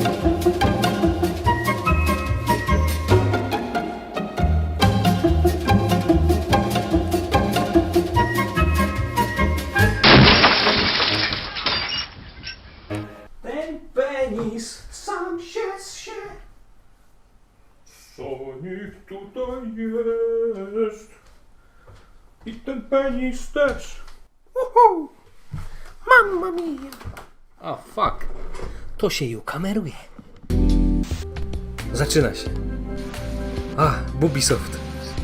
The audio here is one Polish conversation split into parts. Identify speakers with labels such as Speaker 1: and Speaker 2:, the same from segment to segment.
Speaker 1: Ten penis sam się zsie. Sonic tutaj jest. I ten penis też. Uhu. Mamma mia. O, fuck. To się ju kameruje. Zaczyna się. Ubisoft.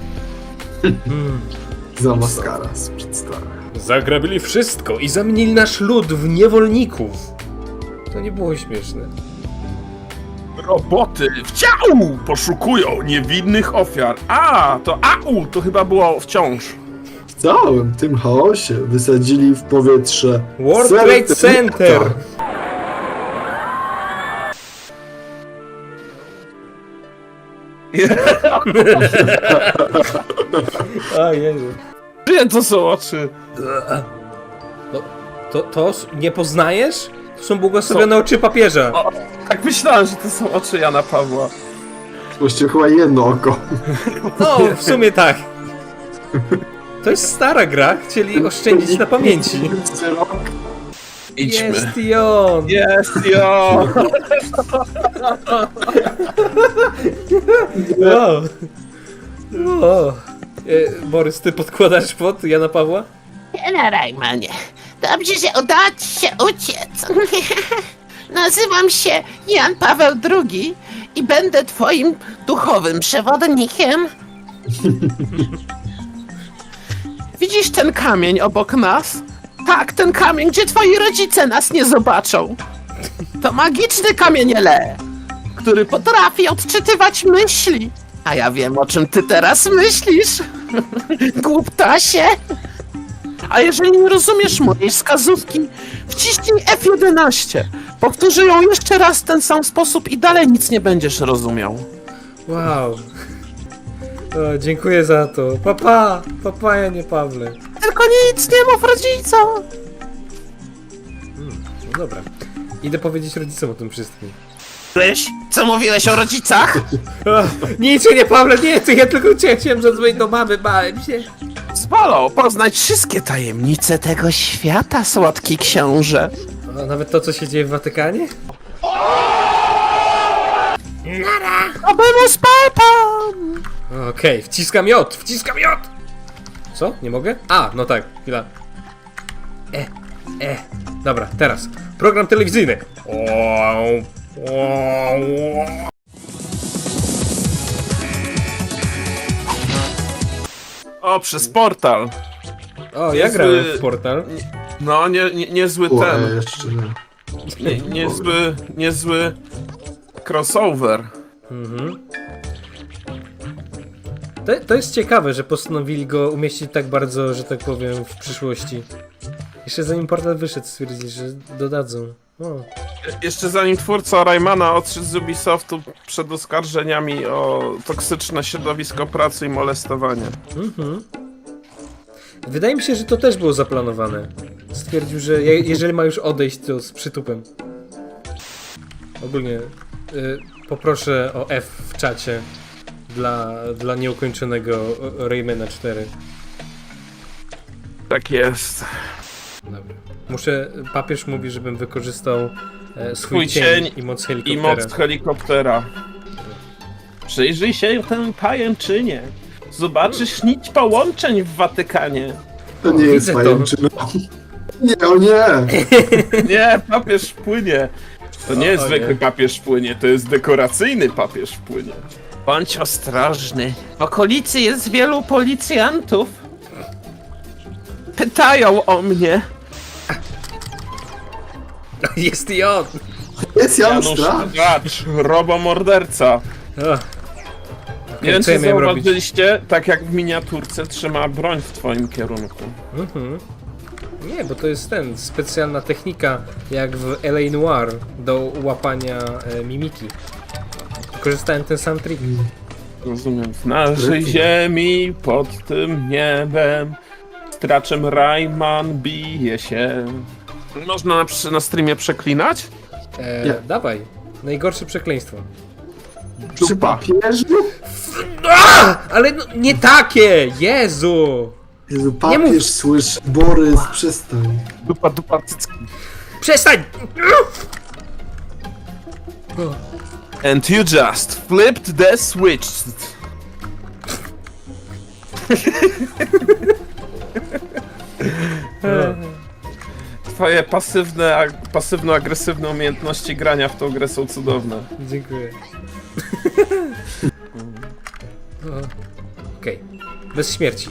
Speaker 2: Zamaskara z przedstawia.
Speaker 1: Zagrabili wszystko i zamienili nasz lud w niewolników. To nie było śmieszne.
Speaker 3: Roboty wciąż poszukują niewinnych ofiar. To to chyba było wciąż.
Speaker 2: W całym tym chaosie wysadzili w powietrze
Speaker 1: World Trade Center! O Jezu.
Speaker 3: Gdzie to są oczy?
Speaker 1: To nie poznajesz? To są błogosławione oczy papieża.
Speaker 3: Tak myślałem, że to są oczy Jana Pawła.
Speaker 2: Właściwie chyba jedno oko.
Speaker 1: No, w sumie tak. To jest stara gra, chcieli oszczędzić na pamięci.
Speaker 3: Idźmy.
Speaker 1: Jest i on!
Speaker 3: Jest jo!
Speaker 1: Borys, ty podkładasz pod Jana Pawła?
Speaker 4: Nie, Rajmanie. Dobrze, że udało ci się uciec. Nazywam się Jan Paweł II i będę twoim duchowym przewodnikiem. Widzisz ten kamień obok nas? Tak, ten kamień, gdzie twoi rodzice nas nie zobaczą. To magiczny kamieniele, który potrafi odczytywać myśli. A ja wiem, o czym ty teraz myślisz. Głuptasie. A jeżeli nie rozumiesz mojej wskazówki, wciśnij F11. Powtórzę ją jeszcze raz w ten sam sposób i dalej nic nie będziesz rozumiał.
Speaker 1: Wow. Dziękuję za to. Papa, Janie Pawle.
Speaker 4: Tylko nic nie mów rodzicom.
Speaker 1: No dobra. Idę powiedzieć rodzicom o tym wszystkim.
Speaker 4: Co mówiłeś o rodzicach?
Speaker 1: Nic, Janie Pawle, nie, to ja tylko chciałem zadzwonić do mamy, bałem się.
Speaker 4: Zwolą poznać wszystkie tajemnice tego świata, słodki książę.
Speaker 1: A nawet to, co się dzieje w Watykanie?
Speaker 4: Abemus papam!
Speaker 1: Okej, wciskam J! Co? Nie mogę? No tak, chwila. Dobra, teraz. Program telewizyjny.
Speaker 3: Przez portal.
Speaker 1: Ja grałem w Portal.
Speaker 3: No, niezły ten.
Speaker 2: Jeszcze nie.
Speaker 3: Niezły crossover.
Speaker 1: To jest ciekawe, że postanowili go umieścić tak bardzo, że tak powiem, w przyszłości. Jeszcze zanim Portal wyszedł, stwierdzili, że dodadzą.
Speaker 3: Jeszcze zanim twórca Raymana odszedł z Ubisoftu przed oskarżeniami o toksyczne środowisko pracy i molestowanie.
Speaker 1: Wydaje mi się, że to też było zaplanowane. Stwierdził, że jeżeli ma już odejść, to z przytupem. Ogólnie poproszę o F w czacie dla nieukończonego Raymana 4.
Speaker 3: Tak jest.
Speaker 1: Dobra. Papież mówi, żebym wykorzystał swój
Speaker 3: Twój
Speaker 1: cień i moc helikoptera.
Speaker 3: I moc helikoptera. Przyjrzyj się tę pajęczynie. Zobaczysz nić połączeń w Watykanie.
Speaker 2: To nie jest
Speaker 1: widzę to.
Speaker 2: pajęczyna. Nie, o nie!
Speaker 3: Nie, papież płynie. To nie jest zwykły papież płynie, to jest dekoracyjny papież płynie.
Speaker 4: Bądź ostrożny. W okolicy jest wielu policjantów. Pytają o mnie.
Speaker 1: Jest i on!
Speaker 2: Jest Jan
Speaker 3: Janusz
Speaker 2: Strach.
Speaker 3: Dracz, robomorderca. Nie wiem,
Speaker 1: co ja
Speaker 3: czy
Speaker 1: miałem robić?
Speaker 3: zauważyliście, tak jak w miniaturce trzyma broń w twoim kierunku.
Speaker 1: Nie, bo to jest specjalna technika, jak w L.A. Noire, do łapania mimiki. Korzystałem ten sam trik.
Speaker 3: Rozumiem. W naszej ziemi, pod tym niebem, straczem Rayman bije się. Można na streamie przeklinać?
Speaker 1: Dawaj. Najgorsze przekleństwo.
Speaker 2: Przy papieżu?
Speaker 1: Ale no, nie takie! Jezu!
Speaker 2: Jezu,
Speaker 1: Nie mów.
Speaker 2: papież słyszy. Borys, przestań.
Speaker 3: Dupa, cycki.
Speaker 1: Przestań!
Speaker 3: And you just flipped the switch. Twoje pasywno-agresywne umiejętności grania w tą grę są cudowne.
Speaker 1: Dziękuję. Okej. Bez śmierci.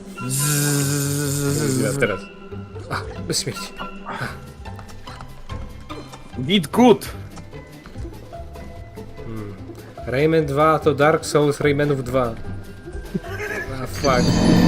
Speaker 1: Teraz. Bez śmierci.
Speaker 3: Git good.
Speaker 1: Rayman 2 to Dark Souls Raymanów 2. Fuck.